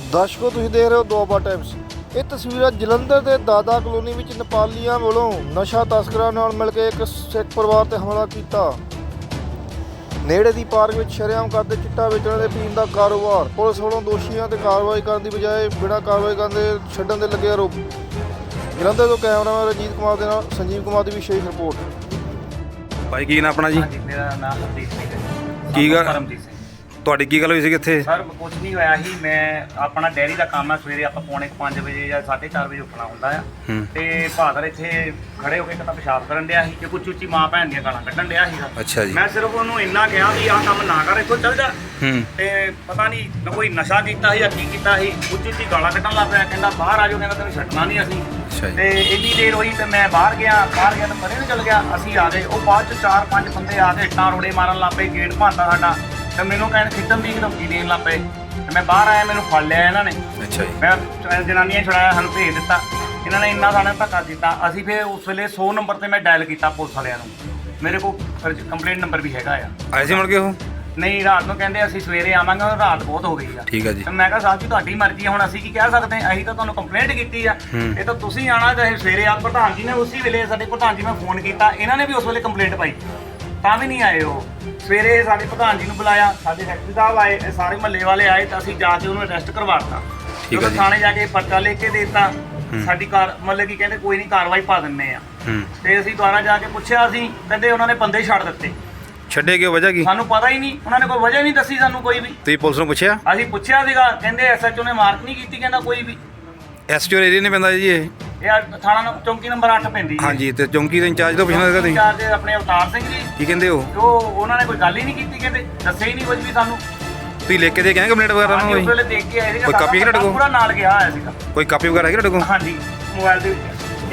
ਦਰਸ਼ਕੋ ਤੁਸੀਂ ਦੇਖ ਰਹੇ ਹੋ ਦੁਆਬਾ ਟਾਈਮਸ। ਇਹ ਤਸਵੀਰਾਂ ਜਲੰਧਰ ਦੇ ਦਾਦਾ ਕਲੋਨੀ ਵਿੱਚ ਨੇਪਾਲੀਆਂ ਵੱਲੋਂ ਨਸ਼ਾ ਤਸਕਰਾਂ ਨਾਲ ਮਿਲ ਕੇ ਇੱਕ ਸਿੱਖ ਪਰਿਵਾਰ ਤੇ ਹਮਲਾ ਕੀਤਾ। ਨੇੜੇ ਦੀ ਪਾਰਕ ਵਿੱਚ ਸ਼ਰੇਆਮ ਕਰਦੇ ਚਿੱਟਾ ਵੇਚਣ ਦੇ ਪੀਣ ਦਾ ਕਾਰੋਬਾਰ। ਪੁਲਿਸ ਵੱਲੋਂ ਦੋਸ਼ੀਆਂ ਤੇ ਕਾਰਵਾਈ ਕਰਨ ਦੀ ਬਜਾਏ ਬਿਨਾਂ ਕਾਰਵਾਈ ਕਰਨ ਦੇ ਛੱਡਣ ਦੇ ਲੱਗੇ ਆਰੋਪ। ਜਲੰਧਰ ਤੋਂ ਕੈਮਰਾਮੈਨ ਰਣਜੀਤ ਕੁਮਾਰ ਦੇ ਨਾਲ ਸੰਜੀਵ ਕੁਮਾਰ ਦੀ ਵਿਸ਼ੇਸ਼ ਰਿਪੋਰਟ। ਭਾਈ ਕੀ ਨਾਮ ਆਪਣਾ ਜੀ? ਮੇਰਾ ਨਾਮ ਹਰਦੀਪ ਸਿੰਘ ਹੈ। ਕੀ ਗੱਲ ਪਰਮਜੀਤ ਸਿੰਘ ਤੁਹਾਡੀ ਕੀ ਗੱਲ ਹੋਈ ਸੀ ਕਿੱਥੇ? ਸਰ ਕੁਝ ਨਹੀਂ ਹੋਇਆ ਸੀ। ਮੈਂ ਆਪਣਾ ਡੈਰੀ ਦਾ ਕੰਮ ਹੈ। ਸਵੇਰੇ ਆਪਾਂ ਪੌਣੇ 5 ਵਜੇ ਜਾਂ 4:30 ਵਜੇ ਉੱਠਣਾ ਹੁੰਦਾ ਆ ਤੇ ਭਾਦਰ ਇੱਥੇ ਖੜੇ ਹੋ ਕੇ ਇੱਕ ਤਾਂ ਪਿਸ਼ਾਬ ਕਰਨ ਡਿਆ ਸੀ ਤੇ ਕੁਝ ਉੱਚੀ ਮਾਂ ਭੈਣ ਦੀਆਂ ਗਾਲਾਂ ਕੱਢਣ ਡਿਆ ਸੀਗਾ। ਅੱਛਾ ਜੀ। ਮੈਂ ਸਿਰਫ ਉਹਨੂੰ ਇੰਨਾ ਕਿਹਾ ਵੀ ਆਹ ਕੰਮ ਨਾ ਕਰ, ਇੱਥੋਂ ਚੱਲ ਜਾ। ਤੇ ਪਤਾ ਨਹੀਂ ਨਾ ਕੋਈ ਨਸ਼ਾ ਕੀਤਾ ਸੀ ਜਾਂ ਕੀ ਕੀਤਾ ਸੀ, ਉੱਚੀ ਗਾਲਾਂ ਕੱਢਣ ਲੱਗ ਪਿਆ। ਕਹਿੰਦਾ ਬਾਹਰ ਆ ਜਾਓ, ਕਹਿੰਦਾ ਤੈਨੂੰ ਛੱਡਣਾ ਨਹੀਂ ਅਸੀਂ। ਤੇ ਇੰਨੀ ਦੇਰ ਹੋਈ ਤੇ ਮੈਂ ਬਾਹਰ ਗਿਆ ਤਾਂ ਪਰੇ ਨੂੰ ਚੱਲ ਗਿਆ। ਅਸੀਂ ਆ ਗਏ, ਉਹ ਬਾਅਦ ਚ 4-5 ਬੰਦੇ ਆ ਕੇ ਇੱਟਾਂ ਰੋੜੇ ਮਾਰਨ ਲੱਗ ਪਏ, ਗੇਟ ਭੰਨਤਾ ਸਾਡਾ ਤੇ ਮੈਨੂੰ ਕਹਿੰਦੇ ਖਿੱਚਣ ਦੀ ਧਮਕੀ ਦੇਣ ਲੱਗ ਪਏ ਤੇ ਮੈਂ ਬਾਹਰ ਆਇਆ, ਮੈਨੂੰ ਫੜ ਲਿਆ ਇਹਨਾਂ ਨੇ। ਅੱਛਾ ਜੀ। ਮੈਂ ਜਨਾਨੀਆਂ ਛੁਡਾਇਆ, ਸਾਨੂੰ ਭੇਜ ਦਿੱਤਾ ਇਹਨਾਂ ਨੇ। ਇੰਨਾ ਸਾਨੂੰ ਧੱਕਾ ਦਿੱਤਾ। ਅਸੀਂ ਫਿਰ ਉਸ ਵੇਲੇ 100 ਨੰਬਰ ਤੇ ਮੈਂ ਡਾਇਲ ਕੀਤਾ ਪੁਲਿਸ ਵਾਲਿਆਂ ਨੂੰ। ਮੇਰੇ ਕੋਲ ਕੰਪਲੇਂਟ ਨੰਬਰ ਵੀ ਹੈਗਾ ਆ। ਆਏ ਸੀ ਮੁੜ ਕੇ ਉਹ? ਨਹੀਂ, ਰਾਤ ਨੂੰ ਕਹਿੰਦੇ ਅਸੀਂ ਸਵੇਰੇ ਆਵਾਂਗੇ, ਰਾਤ ਬਹੁਤ ਹੋ ਗਈ ਆ। ਠੀਕ ਹੈ ਜੀ। ਤੇ ਮੈਂ ਕਿਹਾ ਸਾਹਿਬ ਜੀ ਤੁਹਾਡੀ ਮਰਜ਼ੀ ਆ, ਹੁਣ ਅਸੀਂ ਕੀ ਕਹਿ ਸਕਦੇ ਹਾਂ? ਅਸੀਂ ਤਾਂ ਤੁਹਾਨੂੰ ਕੰਪਲੇਂਟ ਕੀਤੀ ਆ, ਇਹ ਤਾਂ ਤੁਸੀਂ ਆਣਾ ਚਾਹੇ ਸਵੇਰੇ ਆ। ਪ੍ਰਧਾਨ ਜੀ ਨੇ ਉਸੇ ਵੇਲੇ, ਸਾਡੇ ਪ੍ਰਧਾਨ ਜੀ ਮੈਂ ਫੋਨ ਕੀਤਾ, ਇਹਨਾਂ ਨੇ ਵੀ ਉਸ ਵੇਲੇ ਕੰਪਲੇਂਟ ਪਾਈ, ਤਾਂ ਵੀ ਨਹੀਂ ਆਏ ਉਹ। ਸਵੇਰੇ ਸਾਡੇ ਪ੍ਰਧਾਨ ਜੀ ਨੂੰ ਬੁਲਾਇਆ, ਸਾਡੇ ਸੈਕਟਰੀ ਸਾਹਿਬ ਆਏ, ਸਾਰੇ ਮਹੱਲੇ ਵਾਲੇ ਆਏ ਤਾਂ ਅਸੀਂ ਜਾ ਕੇ ਉਹਨੂੰ ਅਰੈਸਟ ਕਰਵਾਤਾ। ਜਦੋਂ ਥਾਣੇ ਜਾ ਕੇ ਪਰਚਾ ਲਿਖ ਕੇ ਦੇ ਦਿੱਤਾ, ਸਾਡੀ ਮਤਲਬ ਕੀ ਕਹਿੰਦੇ ਕੋਈ ਨਹੀਂ ਕਾਰਵਾਈ ਪਾ ਦਿੰਦੇ ਆ। ਤੇ ਅਸੀਂ ਦੁਬਾਰਾ ਜਾ ਕੇ ਪੁੱਛਿਆ, ਅਸੀਂ ਕਹਿੰਦੇ ਉਹਨਾਂ ਨੇ ਬੰਦੇ ਛੱਡ ਦਿੱਤੇ। ਛੱਡੇ ਕਿਉਂ? ਵਜ੍ਹਾ ਕੀ? ਸਾਨੂੰ ਪਤਾ ਹੀ ਨਹੀਂ, ਉਹਨਾਂ ਨੇ ਕੋਈ ਵਜ੍ਹਾ ਨਹੀਂ ਦੱਸੀ ਸਾਨੂੰ ਕੋਈ ਵੀ। ਤੁਸੀਂ ਪੁਲਿਸ ਨੂੰ ਪੁੱਛਿਆ? ਅਸੀਂ ਪੁੱਛਿਆ ਸੀਗਾ, ਕਹਿੰਦੇ ਐਸਐਚਓ ਨੇ ਮਾਰਕ ਨਹੀਂ ਕੀਤੀ, ਕਹਿੰਦਾ ਕੋਈ ਵੀ। ਐਸਟੀਓ ਏਰੀਆ ਨਹੀਂ ਪੈਂਦਾ ਜੀ ਇਹ? ਇਹ ਥਾਣਾ ਚੌਂਕੀ ਨੰਬਰ 8 ਪੈਂਦੀ ਹੈ। ਹਾਂਜੀ। ਤੇ ਚੌਂਕੀ ਦੇ ਇੰਚਾਰਜ ਤੋਂ ਪੁੱਛਣਾ ਸੀਗਾ ਤੁਸੀਂ? ਇੰਚਾਰਜ ਆਪਣੇ ਅਵਤਾਰ ਸਿੰਘ ਜੀ। ਕੀ ਕਹਿੰਦੇ ਉਹ? ਉਹਨਾਂ ਨੇ ਕੋਈ ਗੱਲ ਹੀ ਨਹੀਂ ਕੀਤੀ, ਕਹਿੰਦੇ ਦੱਸਿਆ ਹੀ ਨਹੀਂ ਕੁਝ ਵੀ ਸਾਨੂੰ। ਤੁਸੀਂ ਲਿਖ ਕੇ ਦੇ ਕੇ ਆਏ ਕੰਪਲੇਂਟ ਵਗੈਰਾ ਨੂੰ? ਉਸ ਵੇਲੇ ਦੇਖ ਕੇ ਆਏ ਸੀਗਾ। ਕੋਈ ਕਾਪੀ ਹੈ ਤੁਹਾਡੇ ਕੋਲ? ਪੂਰਾ ਨਾਲ ਗਿਆ ਹੋਇਆ ਸੀਗਾ। ਕੋਈ ਕਾਪੀ ਵਗੈਰਾ ਹੈਗੀ ਤੁਹਾਡੇ ਕੋਲ? ਹਾਂਜੀ, ਮੋਬਾਈਲ ਦੇ ਵਿੱਚ।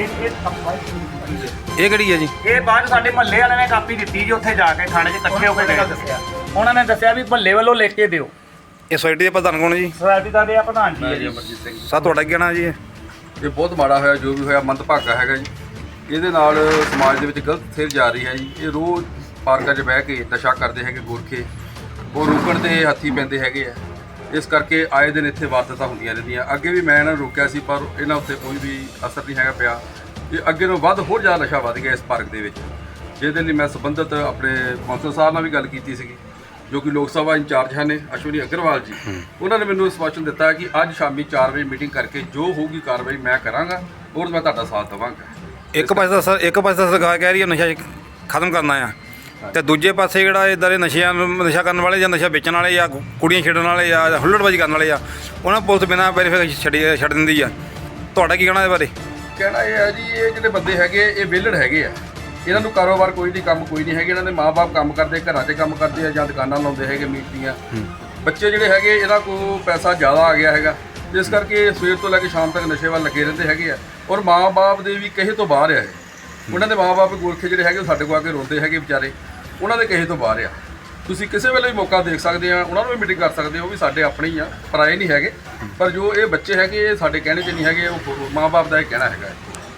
ਇਹ ਕਿਹੜੀ ਹੈ ਜੀ? ਇਹ ਬਾਅਦ ਸਾਡੇ ਮਹੱਲੇ ਵਾਲਿਆਂ ਨੇ ਕਾਪੀ ਦਿੱਤੀ ਜੀ, ਉੱਥੇ ਜਾ ਕੇ ਥਾਣੇ 'ਚ ਇਕੱਠੇ ਹੋ ਕੇ ਦੱਸਿਆ। ਉਹਨਾਂ ਨੇ ਦੱਸਿਆ ਵੀ ਮਹੱਲੇ ਵੱਲੋਂ ਲਿਖ ਕੇ ਦਿਓ। ਇਹ ਸੋਸਾਇਟੀ ਦੇ ਪ੍ਰਧਾਨ ਕੌਣ ਜੀ? ਸੋਸਾਇਟੀ ਦਾ ਦੇ ਪ੍ਰਧਾਨ ਜੀ ਹੈ ਜੀ, ਅਮਰਜੀਤ ਸਿੰਘ। ਸਰ ਤੁਹਾਡਾ ਕੀ ਕਹਿਣਾ ਜੀ? ਇਹ ਬਹੁਤ ਮਾੜਾ ਹੋਇਆ, ਜੋ ਵੀ ਹੋਇਆ ਮੰਦਭਾਗਾ ਹੈਗਾ ਜੀ। ਇਹਦੇ ਨਾਲ ਸਮਾਜ ਦੇ ਵਿੱਚ ਗਲਤ ਸੇਧ ਜਾ ਰਹੀ ਹੈ ਜੀ। ਇਹ ਰੋਜ਼ ਪਾਰਕਾਂ 'ਚ ਬਹਿ ਕੇ ਨਸ਼ਾ ਕਰਦੇ ਹੈਗੇ ਗੋਰਖੇ, ਉਹ ਰੋਕਣ ਦੇ ਹੱਥੀ ਪੈਂਦੇ ਹੈਗੇ ਆ। ਇਸ ਕਰਕੇ ਆਏ ਦਿਨ ਇੱਥੇ ਵਾਰਦਾਤਾਂ ਹੁੰਦੀਆਂ ਰਹਿੰਦੀਆਂ। ਅੱਗੇ ਵੀ ਮੈਂ ਇਹਨਾਂ ਨੂੰ ਰੋਕਿਆ ਸੀ, ਪਰ ਇਹਨਾਂ ਉੱਤੇ ਕੋਈ ਵੀ ਅਸਰ ਨਹੀਂ ਹੈਗਾ ਪਿਆ। ਇਹ ਅੱਗੇ ਨੂੰ ਵੱਧ ਹੋਰ ਜ਼ਿਆਦਾ ਨਸ਼ਾ ਵੱਧ ਗਿਆ ਇਸ ਪਾਰਕ ਦੇ ਵਿੱਚ, ਜਿਹਦੇ ਲਈ ਮੈਂ ਸੰਬੰਧਿਤ ਆਪਣੇ ਕੌਂਸਲ ਸਾਹਿਬ ਨਾਲ ਵੀ ਗੱਲ ਕੀਤੀ ਸੀਗੀ, ਜੋ ਕਿ ਲੋਕ ਸਭਾ ਇੰਚਾਰਜ ਹਨ ਅਸ਼ਵਨੀ ਅਗਰਵਾਲ ਜੀ। ਉਹਨਾਂ ਨੇ ਮੈਨੂੰ ਸਪਸ਼ਟ ਦਿੱਤਾ ਕਿ ਅੱਜ ਸ਼ਾਮੀ 4 ਵਜੇ ਮੀਟਿੰਗ ਕਰਕੇ ਜੋ ਹੋਊਗੀ ਕਾਰਵਾਈ ਮੈਂ ਕਰਾਂਗਾ ਔਰ ਮੈਂ ਤੁਹਾਡਾ ਸਾਥ ਦੇਵਾਂਗਾ। ਇੱਕ ਪਾਸੇ ਤਾਂ ਸਰਕਾਰ ਕਹਿ ਰਹੀ ਹੈ ਨਸ਼ਾ ਖਤਮ ਕਰਨਾ ਆ, ਤੇ ਦੂਜੇ ਪਾਸੇ ਜਿਹੜਾ ਇੱਦਾਂ ਦੇ ਨਸ਼ਾ ਕਰਨ ਵਾਲੇ ਜਾਂ ਨਸ਼ਾ ਵੇਚਣ ਵਾਲੇ ਜਾਂ ਕੁੜੀਆਂ ਛੱਡਣ ਵਾਲੇ ਜਾਂ ਹੁੱਲੜਬਾਜ਼ੀ ਕਰਨ ਵਾਲੇ ਆ, ਉਹਨਾਂ ਪੁਲਿਸ ਬਿਨਾਂ ਵੈਰੀਫਿਕੇਸ਼ਨ ਛੱਡ ਦਿੰਦੀ ਆ। ਤੁਹਾਡਾ ਕੀ ਕਹਿਣਾ ਇਹਦੇ ਬਾਰੇ? ਕਹਿਣਾ ਇਹ ਹੈ ਜੀ, ਇਹ ਜਿਹੜੇ ਬੰਦੇ ਹੈਗੇ ਇਹ ਵਿਹਲੜ ਹੈਗੇ ਆ। ਇਹਨਾਂ ਨੂੰ ਕਾਰੋਬਾਰ ਕੋਈ ਨਹੀਂ, ਕੰਮ ਕੋਈ ਨਹੀਂ ਹੈਗੇ। ਇਹਨਾਂ ਦੇ ਮਾਂ-ਬਾਪ ਕੰਮ ਕਰਦੇ, ਘਰਾਂ 'ਚ ਕੰਮ ਕਰਦੇ ਆ ਜਾਂ ਦੁਕਾਨਾਂ ਲਾਉਂਦੇ ਹੈਗੇ ਮੀਟ ਦੀਆਂ। ਬੱਚੇ ਜਿਹੜੇ ਹੈਗੇ ਇਹਨਾਂ ਕੋਲ ਪੈਸਾ ਜ਼ਿਆਦਾ ਆ ਗਿਆ ਹੈਗਾ, ਜਿਸ ਕਰਕੇ ਸਵੇਰ ਤੋਂ ਲੈ ਕੇ ਸ਼ਾਮ ਤੱਕ ਨਸ਼ੇ ਵੱਲ ਲੱਗੇ ਰਹਿੰਦੇ ਹੈਗੇ ਆ। ਔਰ ਮਾਂ-ਬਾਪ ਦੇ ਵੀ ਕਹੇ ਤੋਂ ਬਾਹਰ ਆ ਇਹ। ਉਹਨਾਂ ਦੇ ਮਾਂ-ਬਾਪ ਗੋਰਖੇ ਜਿਹੜੇ ਹੈਗੇ ਉਹ ਸਾਡੇ ਕੋਲ ਆ ਕੇ ਰੋਂਦੇ ਹੈਗੇ ਵਿਚਾਰੇ, ਉਹਨਾਂ ਦੇ ਕਹੇ ਤੋਂ ਬਾਹਰ ਆ। ਤੁਸੀਂ ਕਿਸੇ ਵੇਲੇ ਵੀ ਮੌਕਾ ਦੇਖ ਸਕਦੇ ਆ, ਉਹਨਾਂ ਨੂੰ ਵੀ ਮੀਟਿੰਗ ਕਰ ਸਕਦੇ ਹੋ। ਉਹ ਵੀ ਸਾਡੇ ਆਪਣੇ ਹੀ ਆ, ਪਰਾਏ ਨਹੀਂ ਹੈਗੇ। ਪਰ ਜੋ ਇਹ ਬੱਚੇ ਹੈਗੇ ਇਹ ਸਾਡੇ ਕਹਿਣੇ 'ਚ ਨਹੀਂ ਹੈਗੇ, ਉਹ ਮਾਂ-ਬਾਪ ਦਾ ਇਹ ਕਹਿਣਾ ਹੈਗਾ।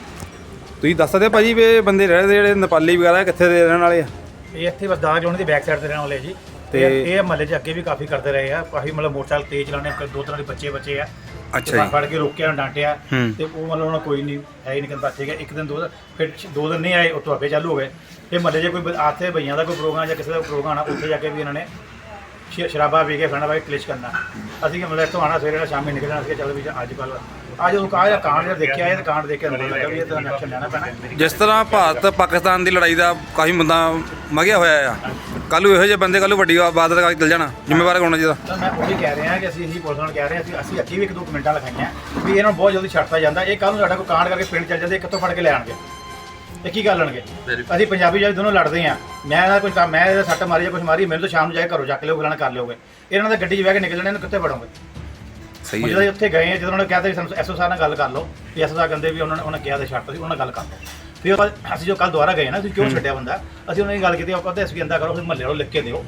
ਤੁਸੀਂ ਦੱਸ ਸਕਦੇ ਭਾਜੀ ਵੀ ਇਹ ਬੰਦੇ ਰਹਿੰਦੇ ਜਿਹੜੇ ਨੇਪਾਲੀ ਵਗੈਰਾ ਕਿੱਥੇ ਦੇ ਰਹਿਣ ਵਾਲੇ ਆ? ਇਹ ਇੱਥੇ ਬਸ ਦਾਗ ਜੋਨ ਦੀ ਬੈਕ ਸਾਈਡ ਤੇ ਰਹਿਣ ਵਾਲੇ ਜੀ। ਤੇ ਇਹ ਮਹੱਲੇ 'ਚ ਅੱਗੇ ਵੀ ਕਾਫੀ ਕਰਦੇ ਰਹੇ ਆ। ਕਾਫੀ ਮਤਲਬ ਮੋਟਰਸਾਈਕਲ ਤੇਜ਼ ਚਲਾਣੇ, 2 ਤਰ੍ਹਾਂ ਦੇ ਬੱਚੇ ਆ। ਅੱਛਾ ਜੀ। ਫੜ ਕੇ ਰੋਕਿਆ, ਡਾਂਟਿਆ ਤੇ ਉਹ ਮਤਲਬ ਉਹਨਾਂ ਕੋਈ ਨਹੀਂ ਹੈ ਹੀ ਨਹੀਂ, ਕਹਿੰਦਾ ਠੀਕ ਹੈ। ਇੱਕ ਦਿਨ 2 ਦਿਨ, ਫਿਰ 2 ਦਿਨ ਨਹੀਂ ਆਏ, ਉੱਥੋਂ ਅੱਗੇ ਚਾਲੂ ਹੋ ਗਏ। ਇਹ ਮਹੱਲੇ 'ਚ ਕੋਈ ਆਥੇ ਭਈਆਂ ਦਾ ਕੋਈ ਪ੍ਰੋਗਰਾਮ ਜਾਂ ਕਿਸੇ ਦਾ ਪ੍ਰੋਗਰਾਮ ਆਣਾ, ਉੱਥੇ ਜਾ ਕੇ ਵੀ ਇਹਨਾਂ ਨੇ ਸ਼ਰਾਬਾ ਪੀ ਕੇ ਫੜਨਾ ਬਾਈ ਕਲਿਸ਼ ਕਰਨਾ। ਅਸੀਂ ਮਤਲਬ ਇੱਥੋਂ ਆਉਣਾ ਸਵੇਰੇ ਸ਼ਾਮੀ ਨਿਕਲਣਾ ਸੀ। ਚੱਲ ਵੀ ਅੱਜ ਉਹ ਕਾਂਡ ਜਿਹੜਾ ਦੇਖਿਆ, ਇਹ ਕਾਂਡ ਦੇਖ ਕੇ ਅੰਦਰ ਲੱਗਾ ਵੀ ਇਹ ਤਾਂ ਐਕਸ਼ਨ ਲੈਣਾ ਪੈਣਾ। ਜਿਸ ਤਰ੍ਹਾਂ ਭਾਰਤ ਪਾਕਿਸਤਾਨ ਦੀ ਲੜਾਈ ਦਾ ਕਾਫੀ ਮੁੱਦਾ ਮਗਿਆ ਹੋਇਆ ਆ, ਕੱਲ੍ਹ ਨੂੰ ਇਹੋ ਜਿਹੇ ਬੰਦੇ ਕੱਲ੍ਹ ਨੂੰ ਵੱਡੀ ਬਾਦਲ ਕਰਕੇ ਚੱਲ ਜਾਣਾ, ਜ਼ਿੰਮੇਵਾਰ ਹੋਣਾ ਚਾਹੀਦਾ। ਤਾਂ ਮੈਂ ਉਹੀ ਕਹਿ ਰਿਹਾ ਕਿ ਅਸੀਂ ਇਹੀ ਪੁਲਿਸ ਨਾਲ ਕਹਿ ਰਹੇ ਹਾਂ, ਅਸੀਂ ਅੱਗੇ ਵੀ 1-2 ਕਮੈਂਟਾਂ ਲਿਖਾਈਆਂ ਵੀ ਇਹਨਾਂ ਨੂੰ ਬਹੁਤ ਜਲਦੀ ਛੱਡਤਾ ਜਾਂਦਾ। ਇਹ ਕੱਲ੍ਹ ਨੂੰ ਸਾਡਾ ਕੋਈ ਕਾਂਡ ਕਰਕੇ ਪਿੰਡ ਚੱਲ ਜਾਂਦੇ, ਕਿੱਥੋਂ ਫੜ ਕੇ ਲੈ ਆਣਗੇ? ਇਹ ਕੀ ਕਰ ਲੈਣਗੇ? ਅਸੀਂ ਪੰਜਾਬੀ ਜਿਹੜੇ ਦੋਨੋਂ ਲੜਦੇ ਆ। ਮੈਂ ਇਹਦਾ ਕੋਈ ਕੰਮ, ਮੈਂ ਇਹਦਾ ਸੱਟ ਮਾਰੀ ਜਾਂ ਕੁਛ ਮਾਰੀ, ਮੈਨੂੰ ਤਾਂ ਸ਼ਾਮ ਨੂੰ ਜਾ ਕੇ ਘਰੋਂ ਚੱਕ ਲਿਓ, ਫਲਾਣਾ ਕਰ ਲਿਓਗੇ। ਇਹਨਾਂ ਦਾ ਗੱਡੀ 'ਚ ਬਹਿ ਕੇ ਨਿਕਲ ਜਾਣਾ, ਇਹਨੂੰ ਕਿੱਥੇ ਫੜੋਗੇ? ਸਹੀ ਜਦੋਂ ਉੱਥੇ ਗਏ, ਜਦੋਂ ਉਹਨਾਂ ਨੇ ਕਿਹਾ ਤਾਂ ਸਾਨੂੰ ਐਸਓ ਸਾਹਿਬ ਨਾਲ ਗੱਲ ਕਰ ਲਓ, ਤੇ ਐਸਓ ਸਾਹਿਬ ਕਹਿੰਦੇ ਵੀ ਉਹਨਾਂ ਕਿਹਾ ਤਾਂ ਛੱਡਤਾ ਸੀ, ਉਹਨਾਂ ਨਾਲ ਗੱਲ ਕਰ ਲਓ। ਫਿਰ ਅਸੀਂ ਜੋ ਕੱਲ੍ਹ ਦੁਬਾਰਾ ਗਏ ਨਾ, ਤੁਸੀਂ ਕਿਉਂ ਛੱਡਿਆ ਬੰਦਾ? ਅਸੀਂ ਉਹਨਾਂ ਦੀ ਗੱਲ ਕੀਤੀ, ਉਹ ਕਹਿੰਦੇ ਅਸੀਂ ਕਹਿੰਦਾ ਕਰੋ, ਫਿਰ ਮਹੱਲੇ ਨੂੰ ਲਿਖ ਕੇ ਦਿਓ,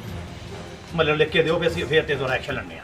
ਵੀ ਅਸੀਂ ਫਿਰ ਤੇ ਦੁਬਾਰਾ ਐਕਸ਼ਨ ਲੈਂਦੇ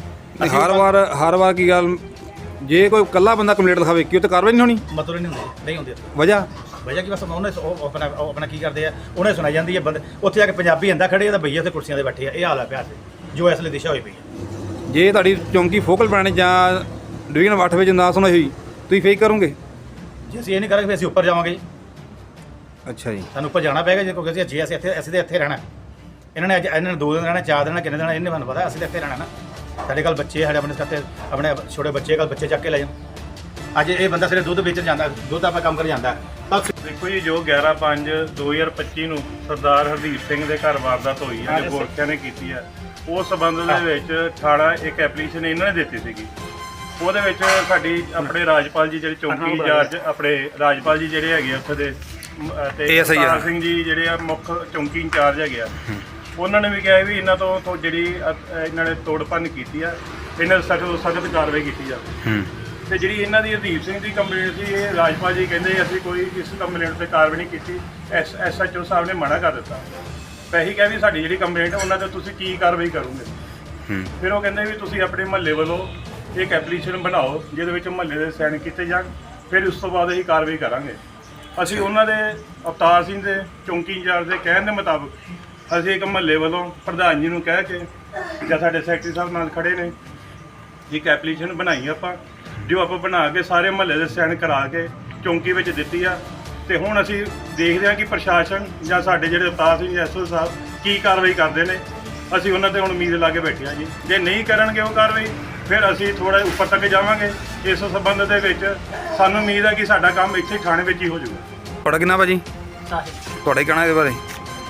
ਆ। ਹਰ ਵਾਰ ਕੀ ਗੱਲ, ਜੇ ਕੋਈ ਇਕੱਲਾ ਬੰਦਾ ਕੰਪਲੇਂਟ ਲਿਖਾਵੇ ਕਿ ਉਹ ਤੇ ਕਾਰਵਾਈ ਨਹੀਂ ਹੋਣੀ? ਮਤਲਬ ਨਹੀਂ ਹੁੰਦੀ। ਵਜ੍ਹਾ ਕਿ ਬਸ ਉਹਨੇ ਆਪਣਾ ਕੀ ਕਰਦੇ ਆ, ਉਹਨੇ ਸੁਣਾਈ ਜਾਂਦੀ ਹੈ ਬੰਦੇ। ਉੱਥੇ ਜਾ ਕੇ ਪੰਜਾਬੀ ਅੰਦਾ ਖੜੇ ਆ ਤਾਂ ਭਈਆ ਉੱਥੇ ਕੁਰਸੀਆਂ 'ਤੇ ਬੈਠੇ ਆ। ਇਹ ਹਾਲ ਆ ਪਿਆ ਜੋ ਇਸ ਲਈ ਦਿਸ਼ਾ ਹੋਈ ਪਈ ਹੈ। ਜੇ ਤੁਹਾਡੀ ਚੌਂਕੀ ਫੋਕਲ ਪੁਆਇੰਟ ਜਾਂ ਡਿਵੀਜ਼ਨ 8 ਵਿੱਚ ਨਾ ਸੁਣਾਈ ਹੋਈ ਤੁਸੀਂ ਫੇਕ ਕਰੋਗੇ? ਜੇ ਅਸੀਂ ਇਹ ਨਹੀਂ ਕਰਾਂਗੇ ਫਿਰ ਅਸੀਂ ਉੱਪਰ ਜਾਵਾਂਗੇ ਜੀ। ਅੱਛਾ ਜੀ। ਸਾਨੂੰ ਉੱਪਰ ਜਾਣਾ ਪਏਗਾ ਜੀ, ਕਿਉਂਕਿ ਜੇ ਅਸੀਂ ਇੱਥੇ ਰਹਿਣਾ। ਇਹਨਾਂ ਨੇ 2 ਦਿਨ ਰਹਿਣਾ, 4 ਦਿਨ, ਕਿੰਨੇ ਦਿਨ, ਇਹਨੇ ਸਾਨੂੰ ਪਤਾ ਅਸੀਂ ਤਾਂ ਇੱਥੇ ਰਹਿਣਾ ਨਾ। ਸਾਡੇ ਕੋਲ ਬੱਚੇ, ਸਾਡੇ ਆਪਣੇ ਛੋਟੇ ਬੱਚੇ ਕੋਲ ਬੱਚੇ ਚੱਕ ਕੇ ਲੈ ਜਾਣ। ਅੱਜ ਇਹ ਬੰਦਾ ਸਿਰੇ ਦੁੱਧ ਵੇਚਣ ਜਾਂਦਾ, ਦੁੱਧ ਆਪਾਂ ਕੰਮ ਕਰ ਜਾਂਦਾ। ਦੇਖੋ ਜੀ, ਜੋ 11/5/2025 ਨੂੰ ਸਰਦਾਰ ਹਰਦੀਪ ਸਿੰਘ ਦੇ ਘਰ ਵਾਰਦਾਤ ਹੋਈ ਹੈ, ਜੋ ਗੋਰਖਿਆਂ ਨੇ ਕੀਤੀ ਹੈ, ਉਸ ਸੰਬੰਧ ਦੇ ਵਿੱਚ ਥਾਣਾ ਇੱਕ ਐਪਲੀਕੇਸ਼ਨ ਇਹਨਾਂ ਨੇ ਦਿੱਤੀ ਸੀਗੀ। ਉਹਦੇ ਵਿੱਚ ਸਾਡੀ ਆਪਣੇ ਰਾਜਪਾਲ ਜੀ ਜਿਹੜੇ ਚੌਂਕੀ ਇੰਚਾਰਜ, ਆਪਣੇ ਰਾਜਪਾਲ ਜੀ ਜਿਹੜੇ ਹੈਗੇ ਆ ਉੱਥੇ ਦੇ, ਤੇ ਸਰਦਾਰ ਸਿੰਘ ਜੀ ਜਿਹੜੇ ਆ ਮੁੱਖ ਚੌਂਕੀ ਇੰਚਾਰਜ ਹੈਗੇ ਆ, ਉਹਨਾਂ ਨੇ ਵੀ ਕਿਹਾ ਵੀ ਇਹਨਾਂ ਤੋਂ ਜਿਹੜੀ ਇਹਨਾਂ ਨੇ ਤੋੜ ਭੰਨ ਕੀਤੀ ਆ, ਇਹਨਾਂ ਦੇ ਸਖਤ ਕਾਰਵਾਈ ਕੀਤੀ ਜਾਵੇ। ਤੇ ਜਿਹੜੀ ਇਹਨਾਂ ਦੀ ਹਰਦੀਪ ਸਿੰਘ ਦੀ ਕੰਪਲੇਂਟ ਸੀ, ਇਹ ਰਾਜਪਾਲ ਜੀ ਕਹਿੰਦੇ ਅਸੀਂ ਕੋਈ ਇਸ ਕੰਪਲੇਂਟ ਤੇ ਕਾਰਵਾਈ ਨਹੀਂ ਕੀਤੀ। SHO ਸਾਹਿਬ ਨੇ ਮਨਾ ਕਰ ਦਿੱਤਾ। ਪਹਿਲੀ ਕਿਹਾ ਵੀ ਸਾਡੀ ਜਿਹੜੀ ਕੰਪਲੇਂਟ ਉਹਨਾਂ ਤੇ ਤੁਸੀਂ ਕੀ ਕਾਰਵਾਈ ਕਰੋਗੇ। ਫਿਰ ਉਹ ਕਹਿੰਦੇ ਵੀ ਤੁਸੀਂ ਆਪਣੇ ਮਹੱਲੇ ਵੱਲੋਂ ਇੱਕ ਐਪਲੀਕੇਸ਼ਨ ਬਣਾਓ ਜਿਹਦੇ ਵਿੱਚ ਮਹੱਲੇ ਦੇ ਸਾਈਨ ਕੀਤੇ ਜਾਣ, ਫਿਰ ਉਸ ਤੋਂ ਬਾਅਦ ਅਸੀਂ ਕਾਰਵਾਈ ਕਰਾਂਗੇ। ਅਸੀਂ ਉਹਨਾਂ ਦੇ ਅਵਤਾਰ ਸਿੰਘ ਦੇ ਚੌਂਕੀ ਇੰਚਾਰਜ ਦੇ ਕਹਿਣ ਦੇ ਮੁਤਾਬਕ ਅਸੀਂ ਇੱਕ ਮਹੱਲੇ ਵੱਲੋਂ ਪ੍ਰਧਾਨ ਜੀ ਨੂੰ ਕਹਿ ਕੇ ਜਾਂ ਸਾਡੇ ਸੈਕਟਰੀ ਸਾਹਿਬ ਨਾਲ ਖੜੇ ਨੇ, ਇੱਕ ਐਪਲੀਕੇਸ਼ਨ ਬਣਾਈ ਆਪਾਂ, ਜੋ ਆਪਾਂ ਬਣਾ ਕੇ ਸਾਰੇ ਮਹੱਲੇ ਦੇ ਸਾਈਨ ਕਰਾ ਕੇ ਚੌਂਕੀ ਵਿੱਚ ਦਿੱਤੀ ਆ। ਤੇ ਹੁਣ ਅਸੀਂ ਦੇਖਦੇ ਹਾਂ ਕਿ ਪ੍ਰਸ਼ਾਸਨ ਜਾਂ ਸਾਡੇ ਜਿਹੜੇ ਅਵਤਾਰ ਸਿੰਘ SHO ਸਾਹਿਬ ਕੀ ਕਾਰਵਾਈ ਕਰਦੇ ਨੇ। ਅਸੀਂ ਉਹਨਾਂ ਤੇ ਹੁਣ ਉਮੀਦ ਲਾ ਕੇ ਬੈਠੇ ਹਾਂ ਜੀ। ਜੇ ਨਹੀਂ ਕਰਨਗੇ ਉਹ ਕਾਰਵਾਈ, ਫਿਰ ਅਸੀਂ ਥੋੜਾ ਉੱਪਰ ਤੱਕ ਜਾਵਾਂਗੇ। ਇਸ ਸੰਬੰਧ ਦੇ ਵਿੱਚ ਸਾਨੂੰ ਉਮੀਦ ਹੈ ਕਿ ਸਾਡਾ ਕੰਮ ਇੱਥੇ ਥਾਣੇ ਵਿੱਚ ਹੀ ਹੋ ਜਾਊਗਾ। ਤੁਹਾਡਾ ਕਿੰਨਾ ਭਾਜੀ? ਤੁਹਾਡਾ ਕੀ ਕਹਿਣਾ ਇਹਦੇ ਬਾਰੇ?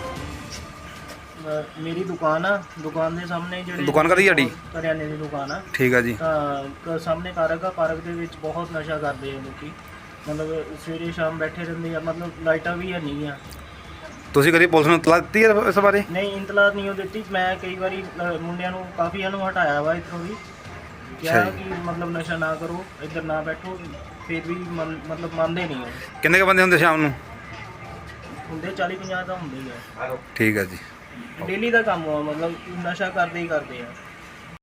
ਮੇਰੀ ਦੁਕਾਨ ਆ, ਦੁਕਾਨ ਦੇ ਸਾਹਮਣੇ ਜਿਹੜੀ ਦੁਕਾਨ ਕਾਹਦੀ ਤੁਹਾਡੀ? ਕਰਿਆਨੇ ਦੀ ਦੁਕਾਨ ਆ। ਠੀਕ ਆ ਜੀ। ਤਾਂ ਸਾਹਮਣੇ ਪਾਰਕ ਆ, ਪਾਰਕ ਦੇ ਵਿੱਚ ਬਹੁਤ ਨਸ਼ਾ ਕਰਦੇ ਆ ਲੋਕੀ, ਮਤਲਬ ਸਵੇਰੇ ਸ਼ਾਮ ਬੈਠੇ ਰਹਿੰਦੇ ਆ, ਮਤਲਬ ਲਾਈਟਾਂ ਵੀ ਹੈ ਨਹੀਂ ਆ। ਤੁਸੀਂ ਕਦੀ ਪੁਲਿਸ ਨੂੰ ਇਤਲਾਹ ਦਿੱਤੀ ਹੈ ਇਸ ਬਾਰੇ? ਨਹੀਂ, ਇੰਤਲਾਹ ਨਹੀਂ ਉਹ ਦਿੱਤੀ। ਮੈਂ ਕਈ ਵਾਰੀ ਮੁੰਡਿਆਂ ਨੂੰ ਕਾਫੀਆਂ ਨੂੰ ਹਟਾਇਆ ਵਾ ਇੱਥੋਂ ਵੀ, ਕਿਹਾ ਕਿ ਮਤਲਬ ਨਸ਼ਾ ਨਾ ਕਰੋ, ਇੱਧਰ ਨਾ ਬੈਠੋ, ਫਿਰ ਵੀ ਮਤਲਬ ਮੰਨਦੇ ਨਹੀਂ ਉਹ। ਕਿੰਨੇ ਕੁ ਬੰਦੇ ਹੁੰਦੇ ਸ਼ਾਮ ਨੂੰ? ਹੁੰਦੇ 40-50 ਤਾਂ ਹੁੰਦੇ ਹੀ ਆ। ਠੀਕ ਆ ਜੀ। ਡੇਲੀ ਦਾ ਕੰਮ ਆ, ਮਤਲਬ ਨਸ਼ਾ ਕਰਦੇ ਹੀ ਕਰਦੇ ਆ।